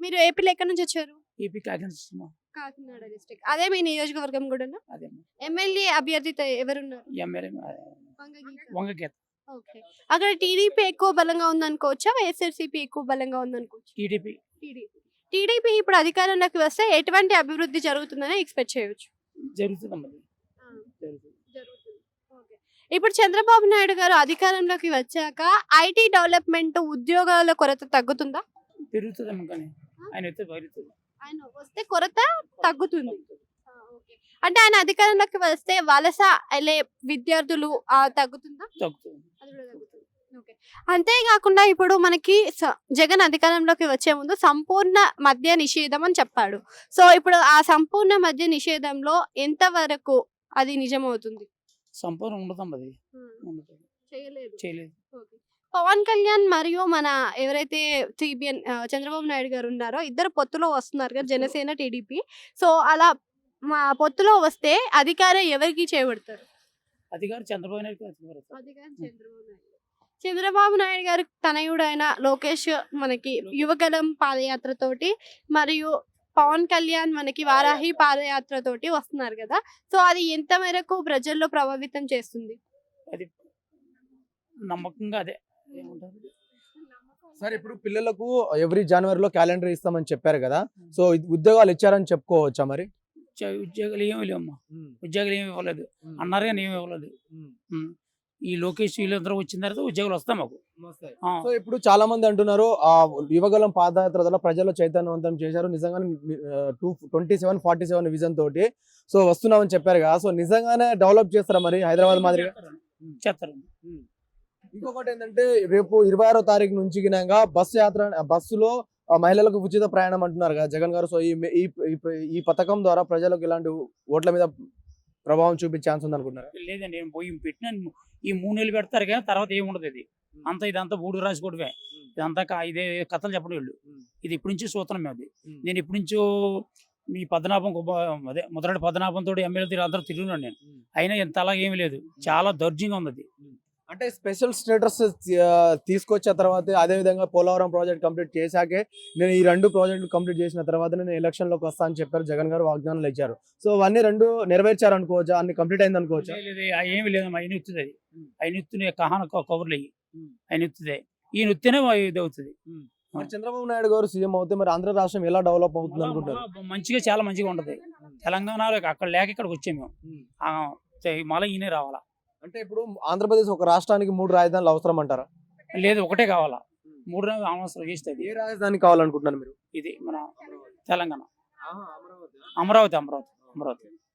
మీరు ఏపీలో ఎక్కడి నుంచి వచ్చారు? AP Kakinada Kakinada district. అదే మీ నియోజకవర్గం కూడానా? అదే ఎమ్మెల్యే అభ్యర్థితో ఎవరున్నారు? ఎమ్మెల్యే వంగగీత. వంగగీత ఓకే. అక్కడ టీడీపీ ఎక్కువ బలంగా ఉందనుకోవచ్చా? వైఎస్ఆర్‌సీపీ ఎక్కువ బలంగా ఉందనుకోవచ్చా? TDP TDP. టీడీపీ ఇప్పుడు అధికారంలోకి వస్తే ఎటువంటి అభివృద్ధి జరుగుతుందని ఎక్స్‌పెక్ట్ చేయొచ్చు? జరుగుతుందమ్మా ఆ! జరుగుతుంది. జరుగుతుంది. ఓకే. ఇప్పుడు చంద్రబాబు నాయుడు గారు అధికారంలోకి వచ్చాక ఐటీ డెవలప్‌మెంట్ ఉద్యోగాల కొరత తగ్గుతుందా? పెరుగుతుందమ్మా కానీ ఆయన అయితే పెరుగుతుంది. ఆయన వస్తే కొరత తగ్గుతుంది. ఆ! ఓకే. అంటే ఆయన అధికారంలోకి వస్తే వలస ఎళ్ళే విద్యార్థులు తగ్గుతుందా? తగ్గుతుంది. అది కూడా తగ్గుతుంది. ఓకే. అంతేకాకుండా ఇప్పుడు మనకి జగన్ అధికారంలోకి వచ్చే ముందు సంపూర్ణ మద్య నిషేధం అని చెప్పాడు. సో, ఇప్పుడు ఆ సంపూర్ణ మద్య నిషేధంలో ఎంత వరకు అది నిజమవుతుంది? సంపూర్ణ ఉండదమ్మా అది హ్మ్. ఉండదు చేయలేదు. చేయలేదు. ఓకే. పవన్ కళ్యాణ్ మరియు మన ఎవరైతే చంద్రబాబు నాయుడు గారు ఉన్నారో ఇద్దరు పొత్తులో వస్తున్నారు కదా, జనసేన, టీడీపీ. సో, అలా మా పొత్తులో వస్తే అధికారం ఎవరికి చేపడతారు? అధికారం చంద్రబాబు నాయుడు అధికారం చంద్రబాబు నాయుడు గారి తనయుడైన లోకేష్ మనకి యువగలం పాదయాత్రతోటి మరియు పవన్ కళ్యాణ్ మనకి వారాహి పాదయాత్రతోటి వస్తున్నారు కదా. సో, అది ఎంత మేరకు ప్రజల్లో ప్రభావితం చేస్తుంది? అది నమ్మకంగా అదే ఏముంటుంది. సార్ ఇప్పుడు పిల్లలకు ఎవ్రీ జనవరిలో క్యాలెండర్ ఇస్తామని చెప్పారు కదా, సో ఉద్యోగాలు ఇచ్చారని చెప్పుకోవచ్చా మరి? ఉద్యోగాలు ఏమి లేవమ్మా, ఉద్యోగాలు ఏమి ఇవ్వలేదు అన్నారు కానీ ఏమి ఇవ్వలేదు. ఈ లోకేష్ వీళ్ళందరూ వచ్చిన తర్వాత ఉద్యోగాలు వస్తాయి మాకు. సో ఇప్పుడు చాలా మంది అంటున్నారు ఆ యువగలం పాదయాత్ర ద్వారా ప్రజల్లో చైతన్యవంతం చేశారు నిజంగానే 2747 విజన్ తోటి సో వస్తున్నామని చెప్పారు కదా, సో నిజంగానే డెవలప్ చేస్తారా మరి హైదరాబాద్ మాదిరిగా? చేస్తారు. ఇంకొకటి ఏంటంటే రేపు 26వ తారీఖు నుంచి గినంగా బస్సులో మహిళలకు ఉచిత ప్రయాణం అంటున్నారు కదా జగన్ గారు. సో ఈ పథకం ద్వారా ప్రజలకు ఇలాంటి ఓట్ల మీద ప్రభావం చూపించే ఛాన్స్ ఉంది అనుకుంటున్నారు? లేదండి, నేను పోయి పెట్టినాను. ఈ 3 నెలలు పెడతారు కానీ తర్వాత ఏముండదు. ఇది అంతా ఇదంతా బూడు రాసుకోవడమే. ఇదంతా ఇదే కథలు చెప్పడం వీళ్ళు. ఇది ఇప్పటి నుంచి చూస్తున్నాం మేము. అది నేను ఇప్పటి నుంచో మీ పద్మనాభం అదే ముద్రడి పద్మనాభంతో ఎమ్మెల్యే అందరూ తిరుగున్నాను నేను. అయినా ఇంత అలాగే ఏమి లేదు, చాలా దౌర్జంగా ఉంది. అది అంటే స్పెషల్ స్టేటస్ తీసుకొచ్చిన తర్వాత అదే విధంగా పోలవరం ప్రాజెక్ట్ కంప్లీట్ చేశాకే నేను ఈ 2 ప్రాజెక్టులు కంప్లీట్ చేసిన తర్వాత నేను ఎలక్షన్ లోకి వస్తా అని చెప్పారు జగన్ గారు, వాగ్దానాలు ఇచ్చారు. సో అవన్నీ 2 నెరవేర్చారు అనుకోవచ్చా? అన్ని కంప్లీట్ అయింది అనుకోవచ్చా? ఏమి లేదు, ఆయన ఎత్తుది. అది ఆయన ఎత్తునే కహాన కబుర్లు అయ్యి ఆయన ఎత్తుదే, ఈయన ఎత్తునే ఇది అవుతుంది. మరి చంద్రబాబు నాయుడు గారు సీఎం అవుతే మరి ఆంధ్ర రాష్ట్రం ఎలా డెవలప్ అవుతుంది అనుకుంటారు? మంచిగా, చాలా మంచిగా ఉంటది. తెలంగాణలో అక్కడ లేక ఇక్కడికి వచ్చాము మేము. మళ్ళీ ఈయనే రావాలా. అంటే ఇప్పుడు ఆంధ్రప్రదేశ్ ఒక రాష్ట్రానికి 3 రాజధానులు అవసరం అంటారా? లేదు, ఒకటే కావాలా. 3 అవసరం చేస్తుంది. ఏ రాజధాని కావాలనుకుంటున్నారు మీరు? ఇది మన తెలంగాణ, అమరావతి.